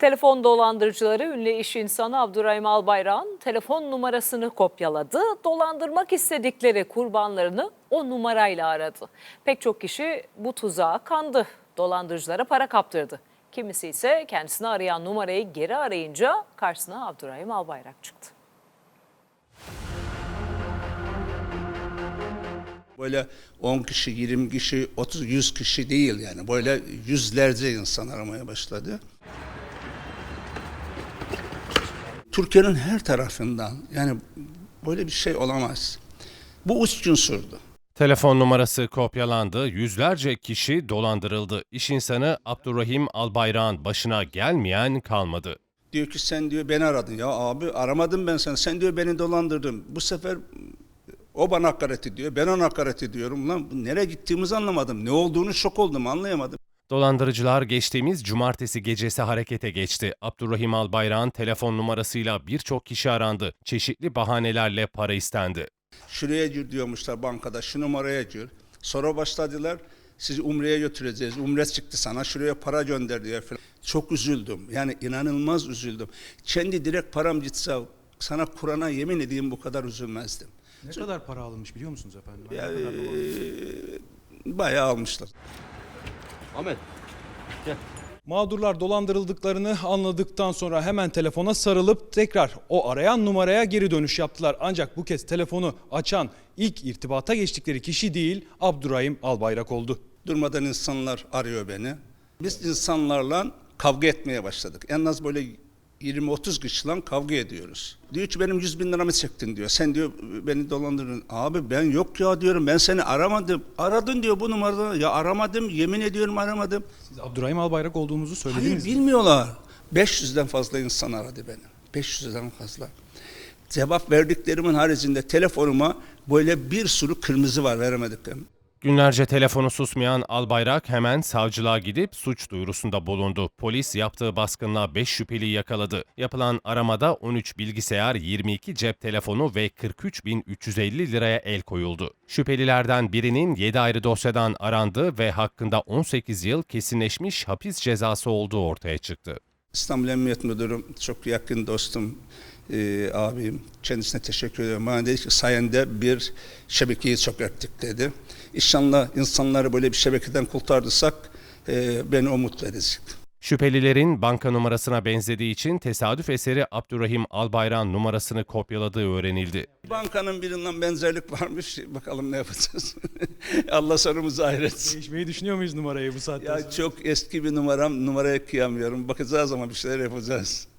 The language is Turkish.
Telefon dolandırıcıları ünlü iş insanı Abdurrahim Albayrak'ın telefon numarasını kopyaladı. Dolandırmak istedikleri kurbanlarını o numarayla aradı. Pek çok kişi bu tuzağa kandı. Dolandırıcılara para kaptırdı. Kimisi ise kendisini arayan numarayı geri arayınca karşısına Abdurrahim Albayrak çıktı. Böyle 10 kişi, 20 kişi, 30, 100 kişi değil yani. Böyle yüzlerce insan aramaya başladı. Türkiye'nin her tarafından yani böyle bir şey olamaz. Bu 3 gün sürdü. Telefon numarası kopyalandı, yüzlerce kişi dolandırıldı. İş insanı Abdurrahim Albayrak'ın başına gelmeyen kalmadı. Diyor ki sen diyor beni aradın. Ya abi aramadım ben seni. Sen diyor beni dolandırdın. Bu sefer o bana hakaret ediyor. Ben ona hakaret ediyorum. Lan nereye gittiğimizi anlamadım. Ne olduğunu şok oldum, anlayamadım. Dolandırıcılar geçtiğimiz cumartesi gecesi harekete geçti. Abdurrahim Albayrak'ın telefon numarasıyla birçok kişi arandı. Çeşitli bahanelerle para istendi. Şuraya gir diyormuşlar bankada, şu numaraya gir. Sonra başladılar, sizi Umre'ye götüreceğiz. Umre çıktı sana, şuraya para gönder diye falan. Çok üzüldüm, yani inanılmaz üzüldüm. Kendi direkt param gitse, sana Kur'an'a yemin edeyim bu kadar üzülmezdim. Ne kadar para alınmış biliyor musunuz efendim? Ya, bayağı almışlar. Ahmet. Mağdurlar dolandırıldıklarını anladıktan sonra hemen telefona sarılıp tekrar o arayan numaraya geri dönüş yaptılar. Ancak bu kez telefonu açan ilk irtibata geçtikleri kişi değil, Abdurrahim Albayrak oldu. Durmadan insanlar arıyor beni. Biz insanlarla kavga etmeye başladık. En az böyle 20-30 kişiyle kavga ediyoruz. Diyor ki benim 100.000 liramı çektin diyor. Sen diyor beni dolandırdın. Abi ben yok ya diyorum, ben seni aramadım. Aradın diyor bu numarada. Ya aramadım, yemin ediyorum aramadım. Siz Abdurrahim Albayrak olduğunuzu söylediniz Hayır mi? bilmiyorlar. 500'den fazla insan aradı beni. 500'den fazla. Cevap verdiklerimin haricinde telefonuma böyle bir sürü kırmızı var, veremediklerim. Günlerce telefonu susmayan Albayrak hemen savcılığa gidip suç duyurusunda bulundu. Polis yaptığı baskınla 5 şüpheliyi yakaladı. Yapılan aramada 13 bilgisayar, 22 cep telefonu ve 43.350 liraya el koyuldu. Şüphelilerden birinin 7 ayrı dosyadan arandığı ve hakkında 18 yıl kesinleşmiş hapis cezası olduğu ortaya çıktı. İstanbul Emniyet Müdürüm, çok yakın dostum, abim. Kendisine teşekkür ediyorum. Bana dedi ki sayende bir şebekeyi çökerttik dedi. İnşallah insanları böyle bir şebekeden kurtardıysak beni o mutlu edecek. Şüphelilerin banka numarasına benzediği için tesadüf eseri Abdurrahim Albayrak'ın numarasını kopyaladığı öğrenildi. Bankanın birinden benzerlik varmış. Bakalım ne yapacağız. Allah sonumuzu hayretsin. Değişmeyi düşünüyor muyuz numarayı bu saatten sonra? Ya çok eski bir numaram. Numaraya kıyamıyorum. Bakacağız ama bir şeyler yapacağız.